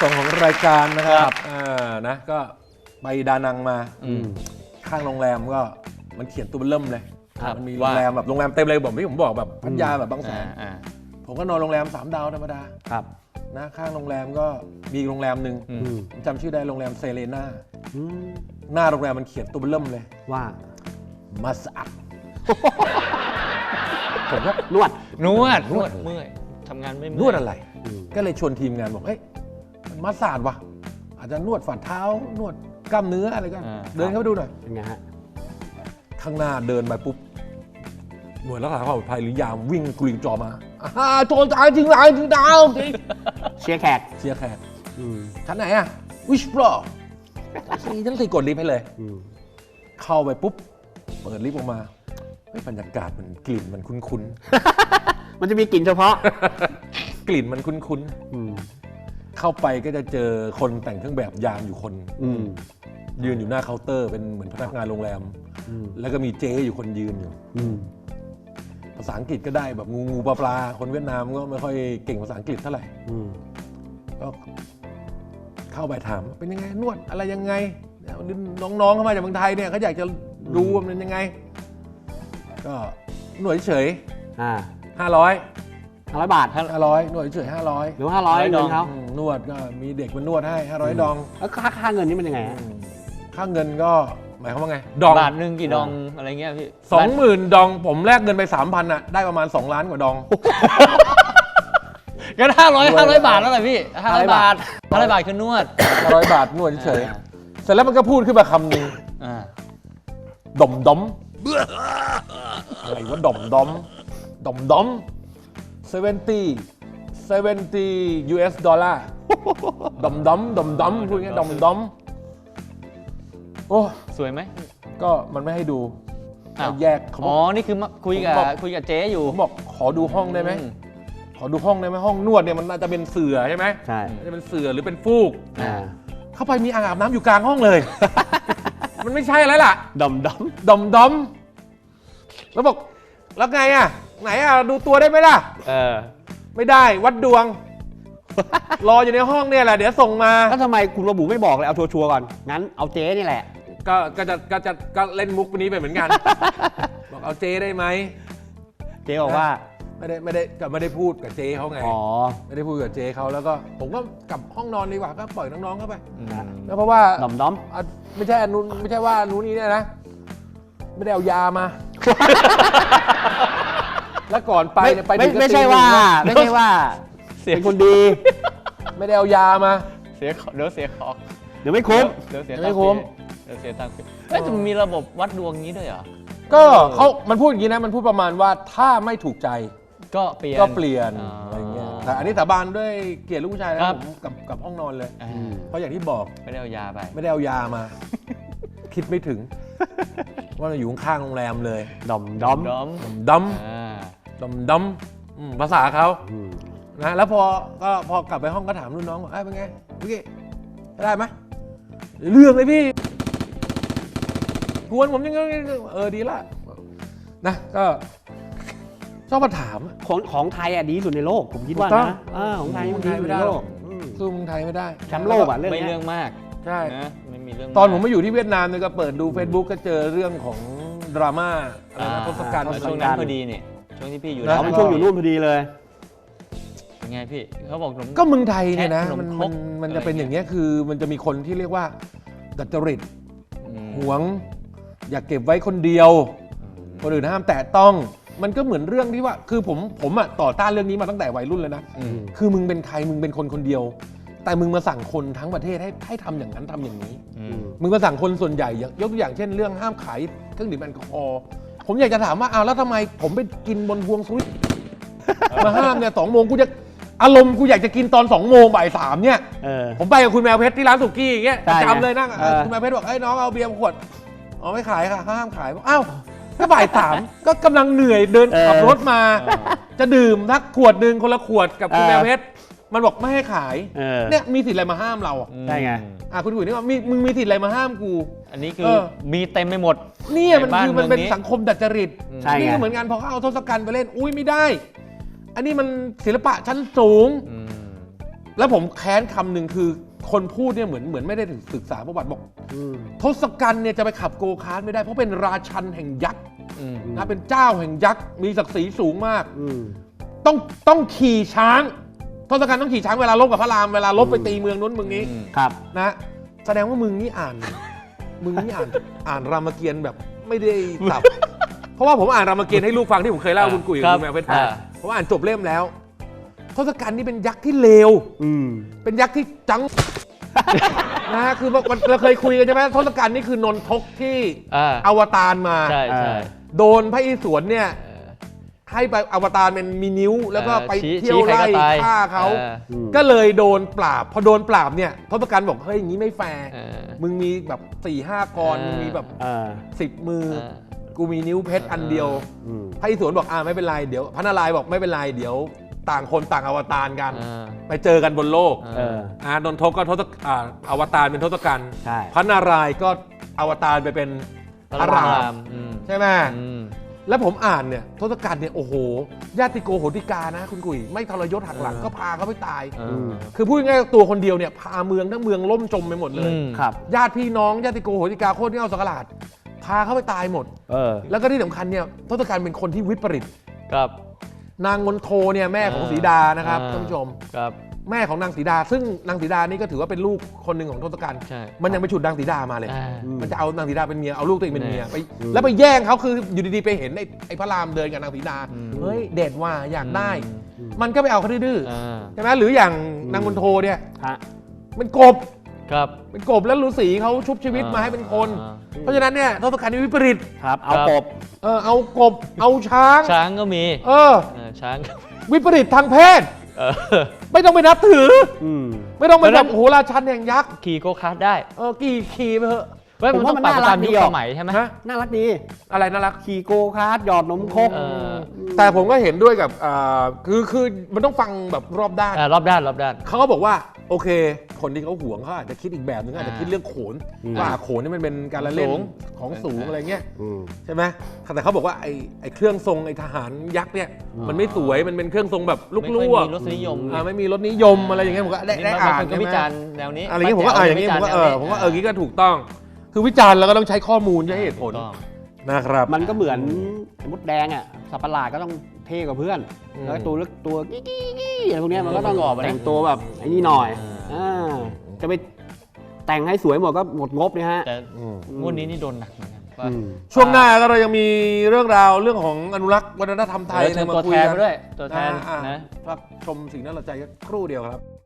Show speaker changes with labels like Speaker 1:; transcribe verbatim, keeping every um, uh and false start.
Speaker 1: องของรายการนะครับอ่านะก็ไปดานังมาข้างโรงแรมก็มันเขียนตัวเริ่มเลยมันมีโรงแรมแบบโรงแรมเต็มเลยผมที่ผมบอกแบบพัทยาแบบบางแสนผมก็นอนโรงแรมสามดาวธรรมดา
Speaker 2: ครับ
Speaker 1: นะข้างโรงแรมก็มีโรงแรมหนึ่งจำชื่อได้โรงแรมเซเลน่าหน้าโรงแรมมันเขียนตัวเริ่มเลย
Speaker 2: ว่า
Speaker 1: มัสอัดผมก็
Speaker 2: นวด
Speaker 3: นวดนวดเมื่อยทำงานไม่
Speaker 1: นวดอะไรก็เลยชวนทีมงานบอกเอ้ยมันมัสอัดว่ะอาจจะนวดฝ่าเท้านวดกล้ามเนื้ออะไรก็เดินเข้าไปดูหน่อย
Speaker 2: เป็นไงฮะ
Speaker 1: ข้างหน้าเดินไปปุ๊บหน่วยรักษาความปลอดภัยหรือยามวิ่งกรีดจอมาอ่าโจรตายจริงไรจริงดาว
Speaker 2: เชียร์แขก
Speaker 1: เชียร์แขกชั้นไหนอะวิชบล็อกสี่ชั้นสี่กดลิฟต์ให้เลยเข้าไปปุ๊บเปิดลิฟต์ออกมาบรรยากาศมันกลิ่นมันคุ้น
Speaker 2: ๆมันจะมีกลิ่นเฉพาะ
Speaker 1: กลิ่นมันคุ้นๆเข้าไปก็จะเจอคนแต่งเครื่องแบบยามอยู่คนยืนอยู่หน้าเคาน์เตอร์เป็นเหมือนพนักงานโรงแรมแล้วก็มีเจ๊อยู่คนยืนอยู่ภาษาอังกฤษก็ได้แบบงูงูปลาปลาคนเวียดนามก็ไม่ค่อยเก่งภาษาอังกฤษเท่าไหร่ก็เข้าไปถามเป็นยังไงนวดอะไรยังไงน้องๆเข้ามาจากเมืองไทยเนี่ยเขาอยากจะรู้ว่ามันยังไงก็หน่วยเฉยห้าร้อย
Speaker 2: ห้าร้อยบาท
Speaker 1: ห้าร้อยหน่วยเฉยห้าร้อย
Speaker 2: หรือห้าร้อยเงินเขา
Speaker 1: นวดก็มีเด็กมานวดให้ห้าร้อยดอง
Speaker 2: แล้วค่าค่าเงินนี่มันยังไง
Speaker 1: ค่าเงินก็หมายความว่าไงดอง
Speaker 3: บาทหนึ่งกี่ดองอะไรเงี้ยพี่
Speaker 1: สองหมื่นดองผมแลกเงินไปสามพันอ่ะได้ประมาณสองล้านกว่าดอง
Speaker 3: ก็ห้าร้อยห้าร้อยบาทแล้วแหละพี่ห้าร้อยบาทห้าร้อยบาทคือนวด
Speaker 1: ห้าร้อยบาทนวดเฉยเสร็จแล้วมันก็พูดขึ้นมาคำหนึ่งดมดมอะไรว่าดมดมดมดมเซเวนตี้เซเวนตี้ยูเอสดอลลาร์ดมดมดมดมพูดงี้ดมดมโอ้
Speaker 3: สวยไหม
Speaker 1: ก็มันไม่ให้ดูแยก
Speaker 3: อ๋อนี่คือคุยกับคุยกับเจ๊อยู่
Speaker 1: ผมบอกขอดูห้องได้ไหมขอดูห้องได้ไหมห้องนวดเนี่ยมันน่าจะเป็นเสื่อใช่ไหม
Speaker 2: ใช่
Speaker 1: จะเป็นเสื่อหรือเป็นฟูกเข้าไปมีอ่างอาบน้ำอยู่กลางห้องเลยมันไม่ใช่แล้วล่ะ
Speaker 2: ดมดม
Speaker 1: ดมดมแล้วบอกแล้วไงอ่ะไหนอ่ะดูตัวได้ไหมล่ะ
Speaker 2: เออ
Speaker 1: ไม่ได้วัดดวงรออยู่ในห้องเนี่ยแหละเดี๋ยวส่งมา
Speaker 2: แล้วทำไมคุณระบุไม่บอกเลยเอาชัวร์ๆก่อนงั้นเอาเจ๊นี่แหละ
Speaker 1: ก็ก็จะก็จะก็เล่นมุกนี้ไปเหมือนกันบอกเอาเจ๊ได้ไหม
Speaker 2: เจ๊บอกว่า
Speaker 1: ไม่ได้ไม่ได้ก็ไม่ได้พูดกับเจ๊เขาไงอ๋อไม่ได้พูดกับเจ๊เขาแล้วก็ผมก็กลับห้องนอนดีกว่าก็ปล่อยน้องๆเข้าไปแล้วเพราะว่า
Speaker 2: ดอมด้อม
Speaker 1: ไม่ใช่นู้นไม่ใช่ว่านู้นนี้เนี่ยนะไม่ได้เอายามาแล้วก่อนไปเนี่ยไป
Speaker 2: ไม่ไม่ใช่ว่าไม่ใช่ว่าเป็นคนดี
Speaker 1: ไม่ได้เอายามา
Speaker 3: เสียเดี๋ยวเสียของ
Speaker 2: เดี๋ยวไม่คุ้ม
Speaker 3: เดี๋ยวเสียไม่คุ้มเดี๋ยวเสียตังค์เอ้ยจะมีระบบวัดดวงนี้ด้วยเหรอ
Speaker 1: ก็เขามันพูดอย่างนี้นะมันพูดประมาณว่าถ้าไม่ถูกใจ
Speaker 3: ก็เปลี่ยน
Speaker 1: ก็เปลี่ยนอะไรเงี้ยแต่อันนี้สาบานด้วยเกียรติลูกผู้ชายนะผมกับกับห้องนอนเลยเพราะอย่างที่บอก
Speaker 3: ไม่ได้เอายาไป
Speaker 1: ไม่ได้เอายามาคิดไม่ถึงว่าเราอยู่ข้างโรงแรมเลย
Speaker 2: ดอมดอม
Speaker 3: ดอม
Speaker 1: ดอมดอมดอมภาษาเขานะแล้วพอก็พอกลับไปห้องก็ถามรุ่นน้องว่าเป็นไงพี่ได้ไหมเรื่องเลยพี่กวนผมยังไงเออดีละนะก็ชอบมาถาม
Speaker 2: ของของไทยอ่ะดีสุดในโลกผมคิดว่านะของไทยมันดีสุดในโลก
Speaker 1: สู้เมืองไทยไม่ได้
Speaker 2: แชมป์โลกอ่ะเรื่อง
Speaker 3: ไม่เรื่องมาก
Speaker 1: ใช่
Speaker 3: นะไม่มีเรื่อง
Speaker 1: ตอนผมมาอยู่ที่เวียดนามเนี่ยก็เปิดดู Facebook ก็เจอเรื่องของดราม่าอะไรนะทศกัณฐ์
Speaker 3: ช่วงนั้นพอดีนี่ช่วงที่พี่อยู่
Speaker 2: เขาเป็นช่วงอยู่นู่นพอดีเลย
Speaker 3: ไงพี่เขาบอก
Speaker 1: ก็เมืองไทยเนี่ยนะมันมันมันจะเป็นอย่างนี้คือมันจะมีคนที่เรียกว่าดัดจริตหวงอยากเก็บไว้คนเดียวคนอื่นห้ามแตะต้องมันก็เหมือนเรื่องที่ว่าคือผมผมอ่ะต่อต้านเรื่องนี้มาตั้งแต่วัยรุ่นเลยนะคือมึงเป็นใครมึงเป็นคนคนเดียวแต่มึงมาสั่งคนทั้งประเทศให้ให้ทำอย่างนั้นทำอย่างนี้มึงมาสั่งคนส่วนใหญ่ยกตัวอย่างเช่นเรื่องห้ามขายเครื่องดื่มแอลกอฮอล์ผมอยากจะถามว่าอ้าวแล้วทำไมผมไปกินบนพวงสวิตมาห้ามเนี่ยสองโมงกูจะอารมณ์กูอยากจะกินตอนสองโมงบ่ายสามเนี่ยผมไปกับคุณแมวเพชรที่ร้านสุกี้อย่างเงี้ยจำเลยนั่งคุณแมวเพชรบอกไอ้น้องเอาเบียร์ขวดอ๋อไม่ขายค่ะห้ามขายอ้าวก็บ่ายสามก็กำลังเหนื่อยเดินขับรถมาจะดื่มทักขวดหนึ่งคนละขวดกับคุณแมวเพชรมันบอกไม่ให้ขายเนี่ยมีสิทธิ์อะไรมาห้ามเรา
Speaker 2: ได้ไง
Speaker 1: อ่ะคุณกุ๋ยนี่ว่ามึงมีสิทธิ์อะไรมาห้ามกู
Speaker 3: อันนี้คือมีเต็มไปหมด
Speaker 1: นี่มันคือมันเป็นสังคมดัดจริตนี่ก็เหมือนกันพอเขาเอาทศกัณฐ์ไปเล่นอุ้ยไม่ได้อันนี้มันศิลปะชั้นสูงแล้วผมแค้นคำหนึ่งคือคนพูดเนี่ยเหมือนเหมือนไม่ได้ศึกษาประวัติบอก
Speaker 2: อืม
Speaker 1: ทศกัณฐ์เนี่ยจะไปขับโกคาร์ทไม่ได้เพราะเป็นราชันแห่งยักษ์
Speaker 3: อืม
Speaker 1: นะเป็นเจ้าแห่งยักษ์มีศักดิ์ศรีสูงมาก
Speaker 2: อืม
Speaker 1: ต้องต้องขี่ช้างทศกัณฐ์ต้องขี่ช้างเวลาลบกับพระรามเวลาลบไปตีเมืองนู้นเมืองนี้
Speaker 3: อืม
Speaker 2: ครับ
Speaker 1: นะแสดงว่ามึงนี่อ่าน มึงนี่อ่านอ่านรามเกียรติ์แบบไม่ได้สับ เพราะว่าผมอ่านรามเกียรติ์ให้ลูกฟังที่ผมเคยเล่าคุณกุ๋ยกับคุณแมวเพชร
Speaker 3: อ่า
Speaker 1: ผมอ่านจบเล่มแล้วทศกัณฐ์นี่เป็นยักษ์ที่เลว
Speaker 2: อืม
Speaker 1: เป็นยักษ์ที่จัง นะฮะคือมันเราเคยคุยกันใช่ไหมทศกัณฐ์นี่คือนนทกที่
Speaker 3: อ่า
Speaker 1: อวตารมา
Speaker 3: ใช่ใช่
Speaker 1: โดนพระอิศวรเนี่ย
Speaker 3: เออ
Speaker 1: ให้ไปอวตารเป็นมีนิ้ว แล้วก็ไป
Speaker 3: ชี้
Speaker 1: เที่ยว
Speaker 3: ชี้ใคร
Speaker 1: ไล่
Speaker 3: ก็ตาย
Speaker 1: ฆ่าเขา
Speaker 3: ออ
Speaker 2: อืม
Speaker 1: ก็เลยโดนปราบ พอโดนปราบเนี่ยทศกัณฐ์บอกเฮ้ยอย่างนี้ไม่แฟร์
Speaker 3: เออ
Speaker 1: มึงมีแบบสี่ห้ากร
Speaker 3: เออ
Speaker 1: มึงมีแบบ
Speaker 2: อ่า
Speaker 1: สิบมือ
Speaker 3: เออ
Speaker 1: กูมีนิ้วเพชรอันเดียว
Speaker 2: อืม
Speaker 1: พระอิศวรบอกอ่าไม่เป็นไรเดี๋ยวพระนารายณ์บอกไม่เป็นไรเดี๋ยวต่างคนต่างอวตารกัน
Speaker 3: เออ
Speaker 1: ไปเจอกันบนโลก
Speaker 2: เออ
Speaker 1: อ่านนทกก็ทศอ่าอวตารเป็นทศกัณฐ์
Speaker 2: ใช่
Speaker 1: พระนารายณ์ก็อวตารไปเป็นพระราม
Speaker 3: อืม
Speaker 1: ใช่ไหม
Speaker 3: อืม
Speaker 1: แล้วผมอ่านเนี่ยทศกัณฐ์เนี่ยโอ้โหญาติโกโหติกานะคุณกุ๋ยไม่ทรยศหักหลัง
Speaker 3: เออ
Speaker 1: ก็พาเขาไปตาย
Speaker 3: เอ
Speaker 2: อื
Speaker 3: อ
Speaker 2: ม
Speaker 1: คือพูดง่ายๆตัวคนเดียวเนี่ยพาเมืองทั้งเมืองล่มจมไปหมดเลย
Speaker 3: อืม
Speaker 2: ครับ
Speaker 1: ญาติพี่น้องญาติโกโหติกาโคตรที่เอาสักหลาดพาเขาไปตายหมด
Speaker 2: เออ
Speaker 1: แล้วก็ที่สำคัญเนี่ยทศกัณฐ์เป็นคนที่วิปริต
Speaker 3: ครับ
Speaker 1: นางมนโทเนี่ยแม่ของ
Speaker 3: เออ
Speaker 1: สีดานะครับ
Speaker 3: เออ
Speaker 1: ท่านผู้ชม
Speaker 3: ครับ
Speaker 1: แม่ของนางสีดา ซึ่งนางสีดานี่ก็ถือว่าเป็นลูกคนหนึ่งของทศกัณฐ์
Speaker 3: ใช่
Speaker 1: มันยังไปฉุดนางสีดามาเลย
Speaker 3: อ่า
Speaker 2: อืม
Speaker 1: มันจะเอานางสีดาเป็นเมียเอาลูกตัวเองเป็นเมีย
Speaker 3: แน่
Speaker 1: ไป
Speaker 2: อืม
Speaker 1: แล้วไปแย่งเขาคืออยู่ดีๆไปเห็นไอ้ไอ้พระรามเดินกับนางสีดา
Speaker 3: อืม
Speaker 1: เฮ้ยเด็ดว่าอยากได้
Speaker 3: อืม
Speaker 1: มันก็ไปเอาเขาดื้อ
Speaker 3: อ่า
Speaker 1: ๆใช่ไหมหรืออย่างนางมนโทเนี่ย
Speaker 2: ฮะ
Speaker 1: เป็นกบ
Speaker 3: ครับ
Speaker 1: เป็นกบแล้วฤาษีเขาชุบชีวิตมาให้เป็นคน
Speaker 3: อ่า
Speaker 1: เพราะฉะนั้นเนี่ยทศกัณฐ์นี่วิปริต
Speaker 2: ครับ เอา
Speaker 3: ครับ
Speaker 2: กบ
Speaker 1: เออเอากบเอาช้าง
Speaker 3: ช้างก็มี
Speaker 1: เออ
Speaker 3: เออช้างก็
Speaker 1: วิปริตทางเพศ
Speaker 3: เออ
Speaker 1: ไม่ต้องไปนับถือ
Speaker 2: อืม
Speaker 1: ไม่ต้องไป
Speaker 3: เพราะฉะ
Speaker 1: แบ
Speaker 3: นั้
Speaker 1: บ
Speaker 3: น
Speaker 1: โอ้โหราชันแห่งยักษ์
Speaker 3: ขี่โกคาร์ทได้
Speaker 1: เออกี่ขี่ไปเถอะ
Speaker 3: เว้ย
Speaker 2: ผม
Speaker 3: มัน
Speaker 2: ว่า
Speaker 3: ต้อง
Speaker 2: มัน
Speaker 3: ปรับ
Speaker 2: น่ารัก
Speaker 3: ตามยุ
Speaker 2: ดี
Speaker 3: ค
Speaker 2: อ
Speaker 3: ส
Speaker 2: อก
Speaker 3: มัยใช่ไหม
Speaker 1: ฮะ
Speaker 2: น่ารักดี
Speaker 1: อะไรน่ารัก
Speaker 2: ขี่โกคาร์ทหยอดนมครก
Speaker 3: เออ
Speaker 1: แต่ผมก็เห็นด้วยกับอ่าคือคือมันต้องฟังแบบรอบด้าน
Speaker 3: อ่ารอบด้านรอบด้าน
Speaker 1: เขาก็บอกว่าโอเค คนที่เขาหวงเขาอาจจะคิดอีกแบบนึงอาจจะคิดเรื่องโขน
Speaker 2: อืม
Speaker 1: ว่าโขนนี่มันเป็นการละเล่น
Speaker 3: สูง
Speaker 1: ของสูงอะไรเงี้ย
Speaker 2: อืม
Speaker 1: ใช่ไหมแต่เขาบอกว่าไอ้ไอ้เครื่องทรงไอ้ทหารยักษ์เนี่ย
Speaker 2: อืม
Speaker 1: มันไม่สวยมันเป็นเครื่องทรงแบบลูก
Speaker 3: ไม่
Speaker 1: ล
Speaker 3: ค่อยว
Speaker 1: ก
Speaker 3: มีรสนิยม
Speaker 1: อ่าไม่มีรสนิยมอะไรอย่างเงี้ยผมก็ได้ได้
Speaker 3: บาง
Speaker 1: อ่าน
Speaker 3: คนก็
Speaker 1: ใช่ไหม
Speaker 3: วิจารณ์แนวนี้
Speaker 1: อะไรเงี้ยผมก็อ่านอย่างงี้ผมก็เออผมว่าเอออย่างงี้ก็ถูกต้อง คือวิจารณ์แล้วก็ต้องใช้ข้อมูลใช้เหตุผล
Speaker 3: ถูกต้อง
Speaker 1: นะครับ
Speaker 2: มันก็เหมือนมดแดงอ่ะสัตว์ประหลาดก็ต้องเท่กว่าเพื่อน
Speaker 1: อืม
Speaker 2: แล้วตัวเล็กตัวกี้กี้กี้อะไรพวกเนี้ยมันก็ต้อง
Speaker 3: ประกอบอะนะ
Speaker 2: แต่งตัวแบบไอ้นี่หน่อย
Speaker 3: อ่า
Speaker 2: อ่าจะไปแต่งให้สวยหมดก็หมดงบเนี่ยฮะ
Speaker 3: แต่
Speaker 1: อืม
Speaker 3: งวดนี้นี่โดนหนักเหมือนกันว่า
Speaker 2: อืม
Speaker 1: ช่วงหน้าก็เรายังมีเรื่องราวเรื่องของอนุรักษ์วัฒนธรรมไทย
Speaker 3: เออเชิญตัวแทนมาด้วยตัวแทน
Speaker 1: อ่า
Speaker 3: นะ
Speaker 1: พักชมสิ่งน่าสนใจสักครู่เดียวครับ